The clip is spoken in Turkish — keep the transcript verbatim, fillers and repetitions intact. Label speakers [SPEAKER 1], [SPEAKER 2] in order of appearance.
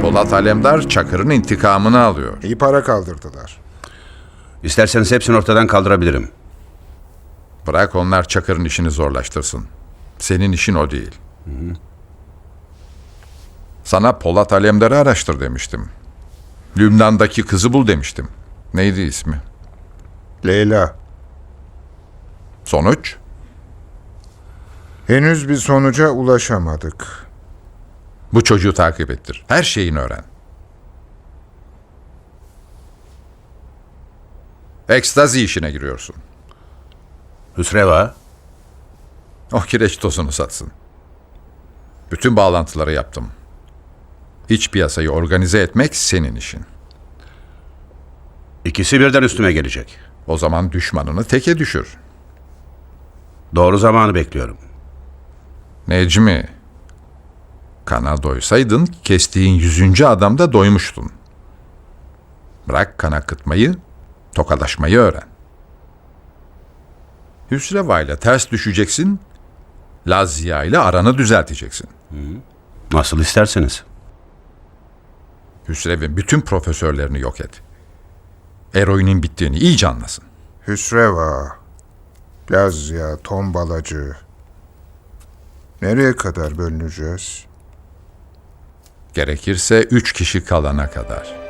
[SPEAKER 1] Polat Alemdar Çakır'ın intikamını alıyor.
[SPEAKER 2] İyi para kaldırdılar.
[SPEAKER 3] İsterseniz hepsini ortadan kaldırabilirim.
[SPEAKER 1] Bırak onlar Çakır'ın işini zorlaştırsın. Senin işin o değil. Hı hı. Sana Polat Alemdar'ı araştır demiştim. Lübnan'daki kızı bul demiştim. Neydi ismi?
[SPEAKER 2] Leyla.
[SPEAKER 1] Sonuç?
[SPEAKER 2] Henüz bir sonuca ulaşamadık.
[SPEAKER 1] Bu çocuğu takip ettir. Her şeyini öğren. Ekstazi işine giriyorsun.
[SPEAKER 3] Hüsreva,
[SPEAKER 1] O kireç tozunu satsın. Bütün bağlantıları yaptım. İç piyasayı organize etmek senin işin.
[SPEAKER 3] ikisi birden üstüme gelecek.
[SPEAKER 1] O zaman düşmanını teke düşür.
[SPEAKER 3] Doğru zamanı bekliyorum.
[SPEAKER 1] Necmi, kana doysaydın kestiğin yüzüncü adamda doymuştun. Bırak kan akıtmayı, tokalaşmayı öğren. Hüsreva ile ters düşeceksin, Lazia ile aranı düzelteceksin.
[SPEAKER 3] Nasıl isterseniz.
[SPEAKER 1] Hüsrev'in bütün profesörlerini yok et. Eroinin bittiğini iyice anlasın.
[SPEAKER 2] Hüsreva, Lazya, tombalacı. Nereye kadar bölüneceğiz?
[SPEAKER 1] Gerekirse üç kişi kalana kadar.